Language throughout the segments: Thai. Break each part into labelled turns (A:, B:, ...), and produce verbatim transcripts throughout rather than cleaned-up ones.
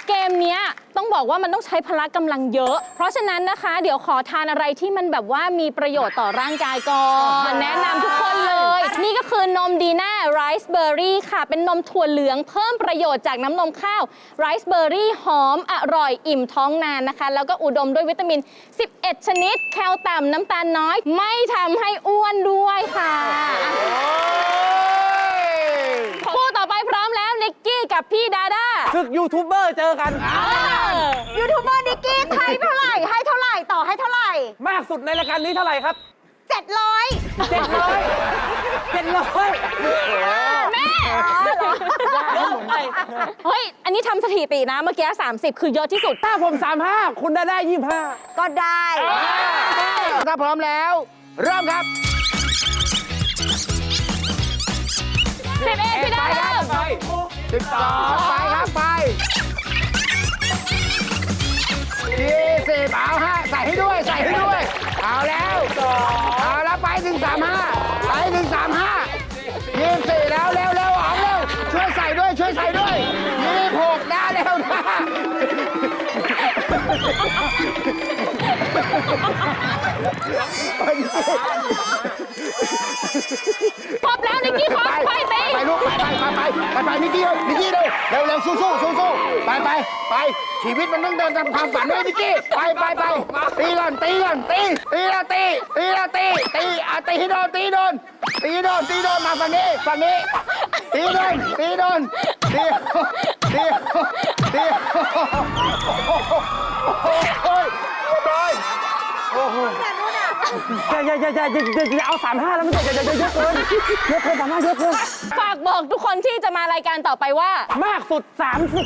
A: เกมเนี้ยต้องบอกว่ามันต้องใช้พละกำลังเยอะ เพราะฉะนั้นนะคะ เดี๋ยวขอทานอะไรที่มันแบบว่ามีประโยชน์ต่อร่างกายก่อนแนะนำทุกคนเลย นี่ก็คือนมดีน่าไรซ์เบอร์รี่ค่ะ เป็นนมถั่วเหลืองเพิ่มประโยชน์จากน้ำนมข้าวไรซ์เบอร์รี่หอมอร่อยอิ่มท้องนานนะคะ แล้วก็อุดมด้วยวิตามิน สิบเอ็ด ชนิด แคลต่ำน้ำตาลน้อย ไม่ทำให้อ้วนด้วยค่ะคู่ต่อไปพร้อมแล้วนิกกี้กับพี่ดาด้า
B: ศึกยูทูบเบอร์เจอกัน
C: ยูทูบเบอร์นิกกี้ให้เท่าไหร่ให้เท่าไหร่ต่อให้เท่าไหร่
B: มากสุดในรายการนี้เท่าไหร่ครับ
C: เจ็ดร้อย
B: เจ็ดร้อยเจ็ดร้อย
A: แม่เฮ้ย อันนี้ทำสถิตินะ เมื่อกี้ สามสิบ คือเยอะที่สุด
B: ถ้าผมสามห้าคุณได้ได้ยี่ห้า
C: ก็ได้
D: ถ้าพร้อมแล้ว เริ่มครับ
A: สิบเอ็ดพี่ดาเริ่ม
B: ไป
D: สิบสองไปครับไปยี่สิบเอาห้าใส่ให้ด้วยใส่ให้ด้วย เอาแล้วเอาแล้วไปถึงสามห้าไปถึงสามห้ายี่สี่แล้วเร็วเร็วออกเร็วช่วยใส่ด้วยช่วยใส่ด้วยยี่หกได้เร็วนะ
A: ครบแล้วนิกกี้ครบไปตี
D: ไปลูกไปไปไปไปไปไปนิกกี้นิกกี้เร็วเร็วเร็วสู้สู้สู้สู้ไปไปไปชีวิตมันต้องเดินตามความฝันด้วยนิกกี้ไปไปไปตีก่อนตีก่อนตีตีแล้วตีตีแล้วตีตีอ่ะตีให้โดนตีโดนตีโดนตีโดนมาฝั่งนี้ฝั่งนี้ตีโดนตีโดนตีตีตีโอ้ยโอ้ยโอ้โห
B: อย่าอย่าอย่าอย่าอย่าเอาสามห้าแล้วมันจะอย่าอย่าเยอะเกินเยอะเกินสามห้าเยอะเกิน
A: ฝากบอกทุกคนที่จะมารายการต่อไปว่า
B: มากสุดสามสิบ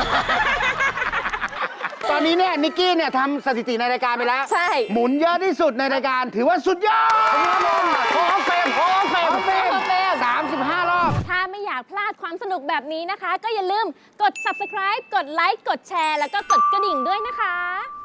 D: ตอนนี้เนี่ยนิกกี้เนี่ยทำสถิติในรายการไปแล้ว
A: ใช่
D: หมุนเยอะที่สุดในรายการถือว่าสุดยอดขอเฟรมขอเฟรมเฟรมสามสิบห้ารอบ
A: ถ้าไม่อยากพลาดความสนุกแบบนี้นะคะ ก็อย่าลืมกด ซับสไครบ์ กดไลค์ กดแชร์ แล้วก็กดกระดิ่งด้วยนะคะ